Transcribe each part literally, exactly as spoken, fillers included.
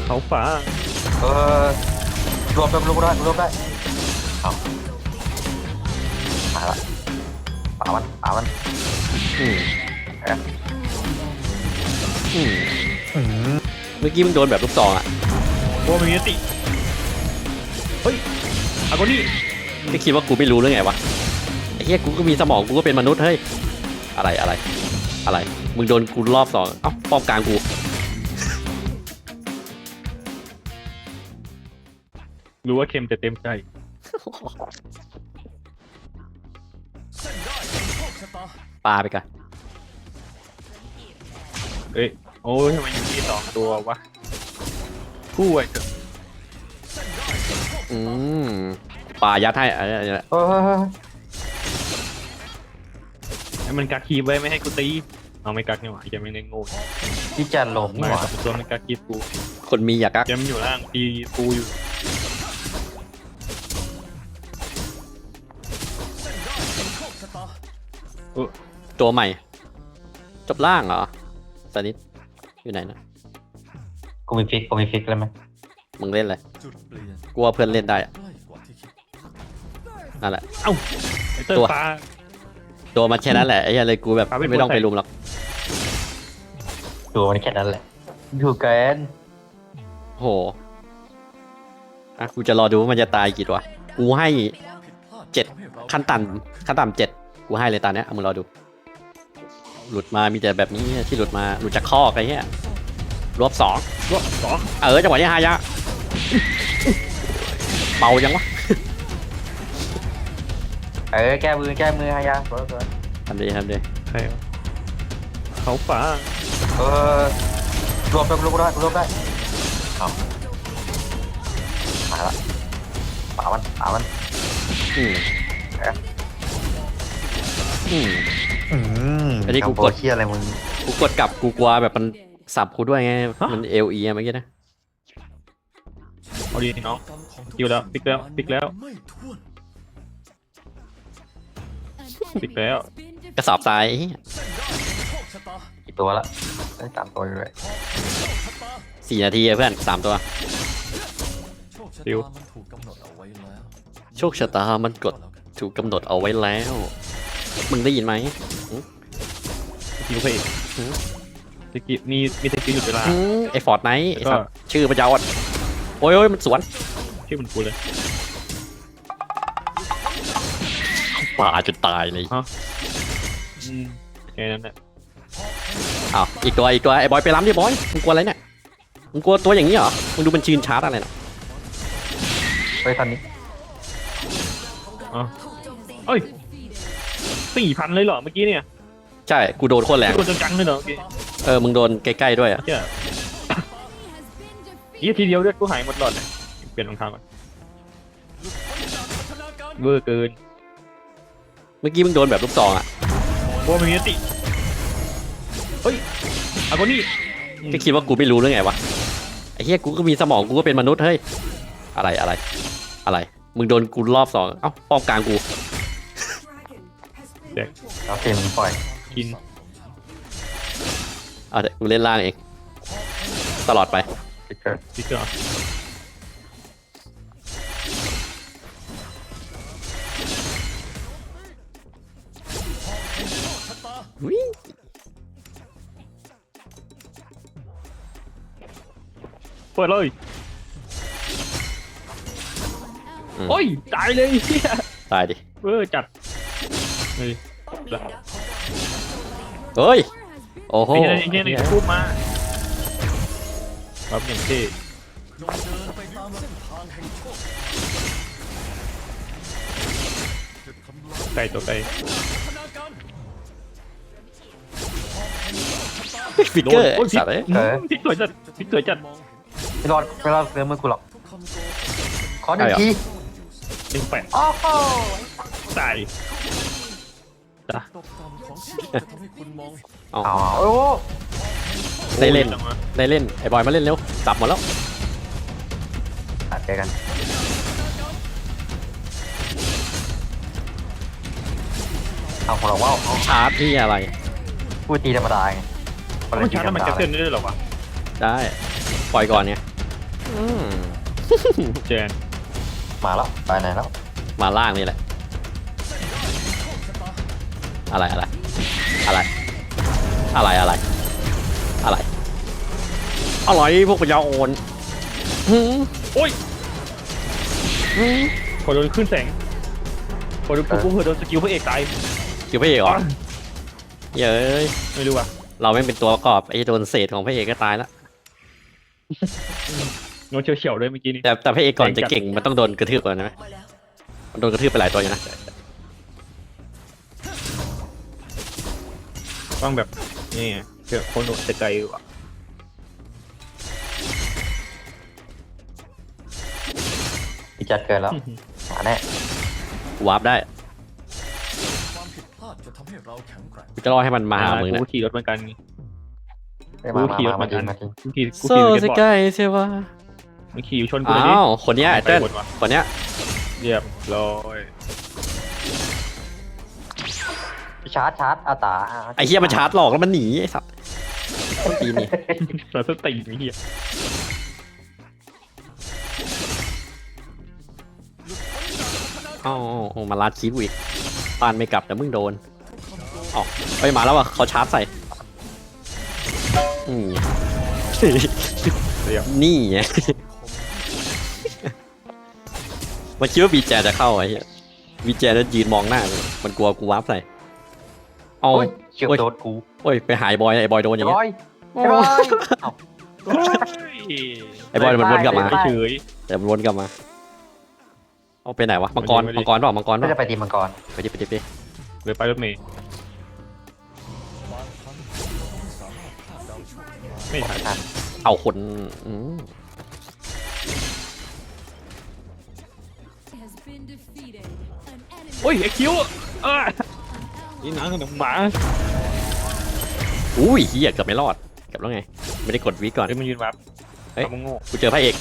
เขาฟ้าเออรวมได้รวมได้รวมได้เอามาละป่ามันป่ามันอืมเอ๊ะอืมเมื่อกี้มึงโดนแบบลูกซองอ่ะโอ้ไม่มีสติเฮ้ยเอาคนนี้ไม่คิดว่ากูไม่รู้หรือไงวะไอ้เหี้ยกูก็มีสมองกูก็เป็นมนุษย์เฮ้ยอะไรอะไรอะไรมึงโดนกูรอบสองเอ้าป้อมกลางกูรู้ว่าเค็มแต่เต็มใจปาไปกันเอ้ยโอ้ยทำไมอยู่ที่สองตัววะคู่ไอ้เถอะอืมปายัดให้อะไรอะไรเออให้มันกักคีบไว้ไม่ให้กูตีเอาไม่กักนี่หว่าแกไม่ได้โง่ที่จะหลงนี่มาหว่าสองตัวมันกักคีบกูคนมีอยากกักแกมันอยู่ล่างตีกูอยู่เออตัวใหม่จบล่างเหรอสนิทอยู่ไหนนะกูมีฟิกกูมีฟิกเลยไหมมึงเล่นเลยกลัวเพื่อนเล่นได้อะนั่นแหละเอ้าไอ้เตอร์ตัวปลาตัวมันแค่นั้นแหละไอ้เหี้ยเลยกูแบบปาเป็นไม่ต้องตัวใส่ไปลุมหรอกดูมันแค่นั้นแหละดูเกินโหอ่ะกูจะรอดูว่ามันจะตายกี่ตัวกูให้เจ็ดขั้นต่ำขั้นต่ำเจ็ดกูให้เลยตอนเนี้ยเอามึงรอดู หลุดมามีแต่แบบนี้ที่หลุดมาหลุดจากคอกไอ้เหี้ยรวบสองรอบสองเออจังหวะนี้ฮายะเบายังวะเออแก้มือแก้มือฮายาสวยสวยทำดีทำดีใครวะเขาฟ้าเออรวมได้รวมได้รวมได้เอามาละป่ามันป่ามันอืมเอ๊ะอืมอืมอันนี้กูกดเชี่ยอะไรมึงกูกดกลับกูกลัวแบบมันสับกูด้วยไงมันเอลีเมื่อกี้นะเอาดีน้องคิวแล้วปิกแล้วปิกแล้วปิกแล้วกระสอบทรายไอ้เหี้ยกี่ตัวละได้สามตัวอยู่เลยสี่นาทีอะเพื่อนสามตัวคิวโชคชะตามันกดถูกกำหนดเอาไว้แล้วมึงได้ยินไหมคิวเพย์ตะกี้มีมีตะกี้หยุดเวลาอืมไอฟอร์ดไนท์ไอก็สัตว์ชื่อมันยาวอ่ะโอ้ยโอ้ยมันสวนชื่อมันกูเลยป่าจนตายเลยฮะอืมแค่นั้นแหละอ้าวอีกตัวอีกตัวไอ้บอยไปล้ำดิบอยมึงกลัวอะไรเนี่ยมึงกลัวตัวอย่างนี้เหรอมึงดูมันชืนชาร์จอะไรน่ะเฮ้ยตอนนี้อ๋อเอ้ยสี่พันเลยเหรอเมื่อกี้เนี่ยใช่กูโดนโคตรแรงโดนจังๆเลยเหรอเมื่อกี้เออมึงโดนใกล้ๆด้วยอ่ะเจ้าอีทีเดียวเลือดกูหายหมดหลอดเลยเปลี่ยนรองเท้าก่อนเวอร์เกินเมื่อกี้มึงโดนแบบลูกซองอ่ะโอ้ไม่มีสติเฮ้ยเอาคนนี้ก็คิดว่ากูไม่รู้หรือไงวะไอ้เหี้ยกูก็มีสมองกูก็เป็นมนุษย์เฮ้ยอะไรอะไรอะไรมึงโดนกูรอบสองเอ้าป้อมกลางกูเด็กเอาเกมมึงปล่อยกินเอาเดี๋ยวกูเล่นล่างเองตลอดไปฟิกเกอร์สติ๊กเกอร์เปิดเลยโอ้ยตายเลยเฮียตายดิเวอร์จัดเฮ้ยเฮ้ยโอ้โหไอ้เฮียไอ้เฮียนี่พูดมาครับอย่างเท่ไก่ตัวไก่ฟิกเกอร์โอ้ยพลิสักตว์เอ้ยพลิกสวยจัดพลิกสวยจัดไม่รอดไม่รอดเรื่องมือกูหรอกขอหนึ่งทีหนึ่งแปดโอ้โหตายจ้ะเอาเอาโอ้ได้เล่นจังวะได้เล่นไอ้บอยมาเล่นเร็วจับหมดแล้วตัดเจอกันเอาของเราว่าเอาชาร์จที่อะไรพูดตีธรรมดาไงมันชาร์จแล้วมันจะเส้นได้ด้วยเหรอวะได้ปล่อยก่อนเนี่ยอืมแจนมาแล้วไปไหนแล้วมาล่างนี่แหละ อะไรอะไร อะไร อะไรอะไร อะไร อะไรพวกปัญญาอ่อนหืมโอ้ยหืมพอโดนขึ้นแสงพอโดนปุ๊บปุ๊บเผื่อโดนสกิลพระเอกตายคิวพระเอกเหรออ่ะเย้ยไม่รู้ว่ะเราไม่งเป็นตัวประกอบไอ้โดนเศษของพระเอกก็ตายแล้วโดนเฉียวๆด้วยเมื่อกี้นี้แต่แต่พระเอกก่อนจะเก่งมันต้องโดนกระทืบก่อนนะมันโดนกระทืบไปหลายตัวอยู่นะต้องแบบนี่ไงเจอคนโดนแต่ไกลว่ะพี่จัดเกินแล้วมาแน่วาร์ปได้ความผิดพลาดจะทำให้เราแข็งแกร่งกูจะรอให้มันมาหามึงกูนะก็ขี่รถเหมือนกันไม่มามามามาจริงมาจริงกูขี่กูโซ่ขี่สสเก็ตบอร์ดกายเซวะมันขี่อยู่ชนกูเลยดิอ้าวคนเนี้ยไอ้เต้นไปหมดว่ะคนเนี้ยเรียบร้อยชาร์จชาร์จอาตาไอ้เฮียมันชาร์จหลอกแล้วมันหนีไอ้สัตว์ตีนี่เราสติไอ้เหี้ยอ้าวอ้าวมาลาดคีบอีกปานไม่กลับแต่มึงโดนอ๋อไปมาแล้วว่ะเขาชาร์จใส่อืมเรียบนี่ไง มันคิดว่าบีแจจะเข้าไอ้เหี้ยบีแจแล้วยืนมองหน้าเลยมันกลัวกูวาร์ปใส่เอาโอ้ยเฉียวโดนกูโอ้ยไปหายบอยไอ้บอยโดนอย่างบเงี้อย ยไอ้บอยเอ้าโอ้ยไอ้บอยมันวนกลับมาไปเฉยแต่มันวนกลับมาเอาไปไหนวะมังกรไม่ดีมังกรเปล่ามังกรเปไม่ล่าจะไปตีมังกรไปดิไปดิไปดิเลยไปรถเมย์บางครั้งเราไม่สามารถคาดเดาโชคชะตาไม่ทันทันเอาคนอืม has been defeated. An enemy โอ้ยไอ้คิวเอ้ยนี่หนังกับหมาอุ้ยเฮียเกือบไม่รอดเกือบแล้วไงไม่ได้กดวีก่อนเอ้ยมันยืนวับเฮ้ยทำมึงโง่กูเจอพระเอก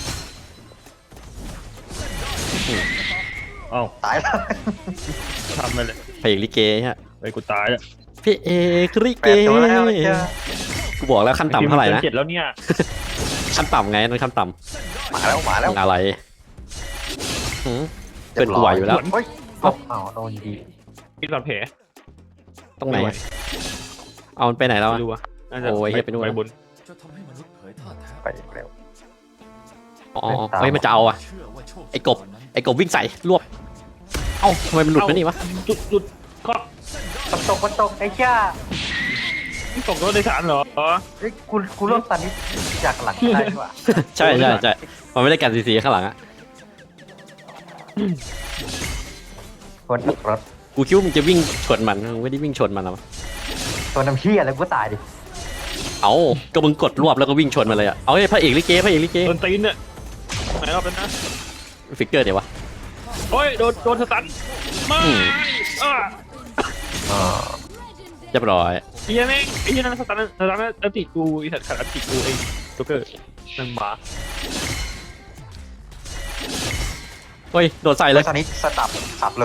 เอ้าตายแล้วทำไปเลยพระเอกลิเกฮะไอ้กูตายแล้วพระเอกลิแปเกดตัวแล้วเจ้ากูบอกแล้วขั้นต่ำเท่าไหร่นะเจ็ดแล้วเนี่ยขั้นต่ำไงนั่นขั้นต่มาแล้วมาแล้วำอะไรหืม เกินกว่าอยู่แล้วเฮ้ยเอ้าเอาโดนดีพี่หลอดแผลตรงไหนอะเอามันไปไหนแล้วไม่อะรู้ว่ะน่าจะโอ้ยเหี้ยไปนู่นไปบนจะทำให้มนุษย์เผยท่าแท้ไปเร็วอ๋อเฮ้ยมันจะเอาอะเชื่อว่าโชคไอ้กบ ไอ้กบวิ่งใส่รวบเอ้าทำไมมันหลุดมานี่วะจุดจุดก็ฝนตกฝนตกไอ้เจ้านี่ตกรถโดยสารเหรอเฮ้ยกูกูร่วมสันนิษจากหลังได้ด้วยใช่ใช่ใช่มันไม่ได้กันซีซีข้างหลังอะคนตกรถกูคิดว่ามึงจะวิ่งชนมันมึงไม่ได้วิ่งชนมันหรอตัวน้ำเชี่ยอะไรกูตายดิเอ้าก็มึงกดรวบแล้วก็วิ่งชนมันเลยอะเอาไอ้พระเอกลิเกพระเอกลิเกโดนตีนเนี่ยไหนรอบนั้นนะฟิกเกอร์เดี๋ยววะโอ้ยโดนโดนสตันไม่อืมอ่ะอ่าเรียบร้อยไอ้เหี้ยแม่งไอ้เหี้ยนั่นสตันสตันอันติกูไอ้สัตว์ขัดอันติกูไอ้โจ๊กเกอร์นั่งหมาเฮ้ยโดนใส่เลแล้ยวตอนนี้สตับสับเลย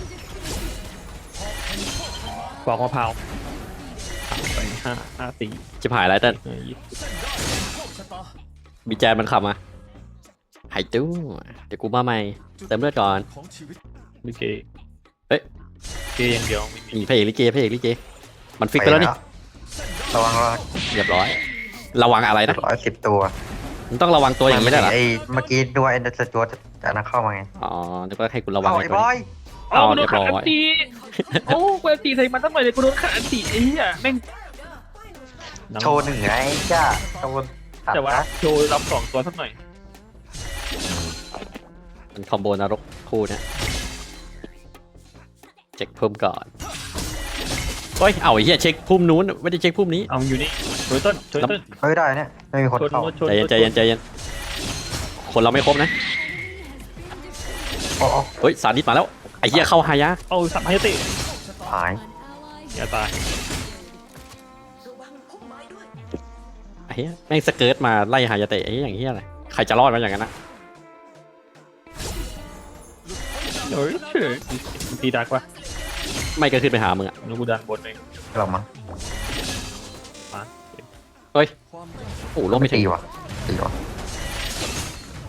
ปอกมะพร้าวไปห้าห้าสี่จิบหายแล้วแต่เออยี่สิบบีแจนมันขับมาหายตู้เดี๋ยวกูมาใหม่เติมเลือดก่อนของชีวิตลิเกเฮ้ยเกย์อย่างเดียวไม่มีนี่พระเอกลิเกพระเอกลิเกมันฟิกไปแล้วนี่ระวังระวังเรียบร้อย ระวังอะไรนะร้อยสิบตัวมึงต้องระวังตัวอย่างนี้ได้วยเหรอไอ้เมื่อกี้ดูไอ้เดสตัวจะนั่งเข้ามาไงอ๋อนึกว่าให้กูระวังเอาไอ้ไอ้ตัวบอนี้ยเอาเอาโดนขัดอันเรียบร้อยติโอ้กูอันติใส่มันตั้งหน่อยเลยกูโดนขัดอันติไอ้เหี้ยแม่งโชว์หนึ่งไงจ้าโชว์ตัดแต่ว่านะโชว์รับสองตัวสักหน่อยมันคอมโบนรกคู่เนี้ยเช็คพุ่มก่อนเฮ้ยเอาไอ้เหี้ยเช็คพุ่มนู้นไม่ได้เช็คพุ่มนี้เอาอยู่นี่ช่วยต้นช่วยต้นเฮ้ยได้เนี่ยไม่มีคนชนเข้าชนใจเย็นใจเย็นใจเย็นคนเราไม่ครบนะโอ้โอ้เฮ้ยสานิทมาแล้วไอ้เหี้ยเข้าหายะเอาสัมภาระติหายอย่าตายไอ้เหี้ยแม่งสเกิร์ตมาไล่หายาเตะไอ้เหี้ยอย่างเหี้ยอะไรใครจะรอดมาอย่างนั้นนะเฮ้ยเฉยตีดักวะไม่ก็ขึ้นไปหามึงอะแล้วกูดันบนเองหรอมั้งเฮ้ยความรักโอ้โหลงไม่ถึตีงว่ะตีว่ะ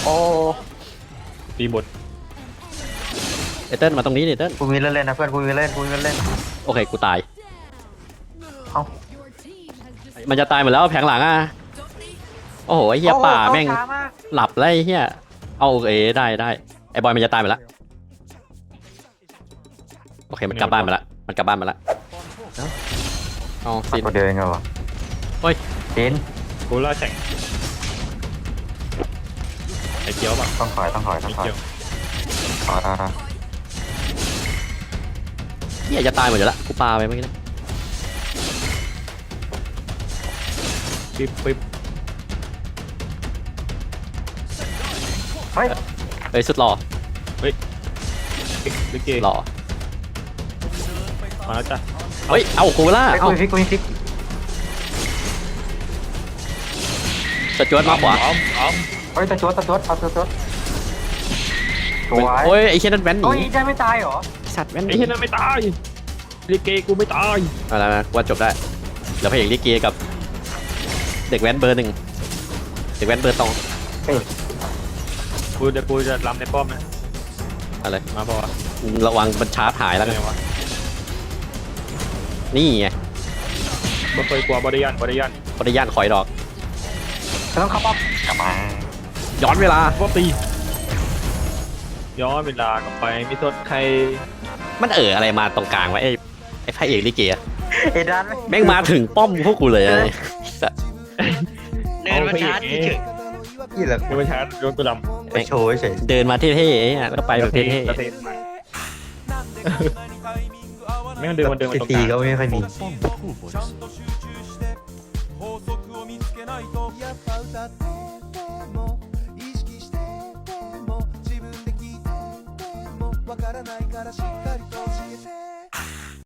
อ้ตีบทไอเติ้ลมาตรงนี้ดิเติ้ลกูมีเล่นเล่นนะเพื่อนกูมีเล่นกูมีเล่นโอเคกูตายเอ้า Your team has just มันจะตายหมดแล้วแผงหลังอ่ะโอ้โหไอเฮียป่าแม่งโอ้โหเข้ช้มากหลับแล้วไอเฮียเอาโอเคได้ได้ไอบอยมันจะตายหมดแล้วโอเคมันกลับบ้านมาแล้วมันกลับบ้านมาแล้วเอาซินตัวเดียวเองเหรอวะเฮ้ยซินกูล่าแข่งไอ้เกียวป่ะต้องถอยต้องถอยต้อไอ้งถอยเกียวถอยถอยถอยเฮียจะตายหมดอยู่แล้วกูปาไปเมื่อกี้นะปิ๊บปิ๊บเฮ้ยเอ้ยสุดหล่อลิเกหล่อมาแล้วจ้ะเฮ้ยเอากูล่าไอ้เอากูมีฟิกกูมีฟิกสจวตมาขวาอ้อมอ้อมเฮ้ยตะจวดตะจวดเอาตะจวดสวยโอ้ยไอเชี่ยนั่นแว้นหโอ้ยนีได้ไม่ตายเหรอสัตว์แว้นหไอ้นีเหี้ยนั่นไม่ตายลิเกกูไม่ตายอะไรนะว่าจบได้เดี๋ยวพระเอกลิเกกับ เด็กแว้นเบอร์หนึ่งเด็กแว้นเบอร์สองกูจะกูจะรำในป้อมนะอะไรมาบอกว่าระวังมันชาร์จหายแล้วไงกันวะนี่ไงบ่เคยกลัวบริยันบริยันปริญญาณคอยดอกจะต้องเข้าป้อมกลับมาย้อนเวลาว่าตีย้อนเวลากลับไปมิสดใครมันเอออะไรมาตรงกลางวะไอ้ไอ้พระเอกลิเกอะเอ็ดานไหมแม่งมาถึงป้อมพวกกูเลยอะเดินมาชาร์จเฉยนี่แหละเดินมาชาร์จโดนกูลำไปโชว์เฉยเดินมาเท่ๆไอ้เนี่ยแล้วก็ไปแบบเท่กระเทมาไม่งั้นเดินมันเดินมาตรงกตีลางก็ไม่ค่อยมี超ボです法則を見つけないとやっぱ歌ってても意識してても自分で聞いててもわからないからしっかりと教えて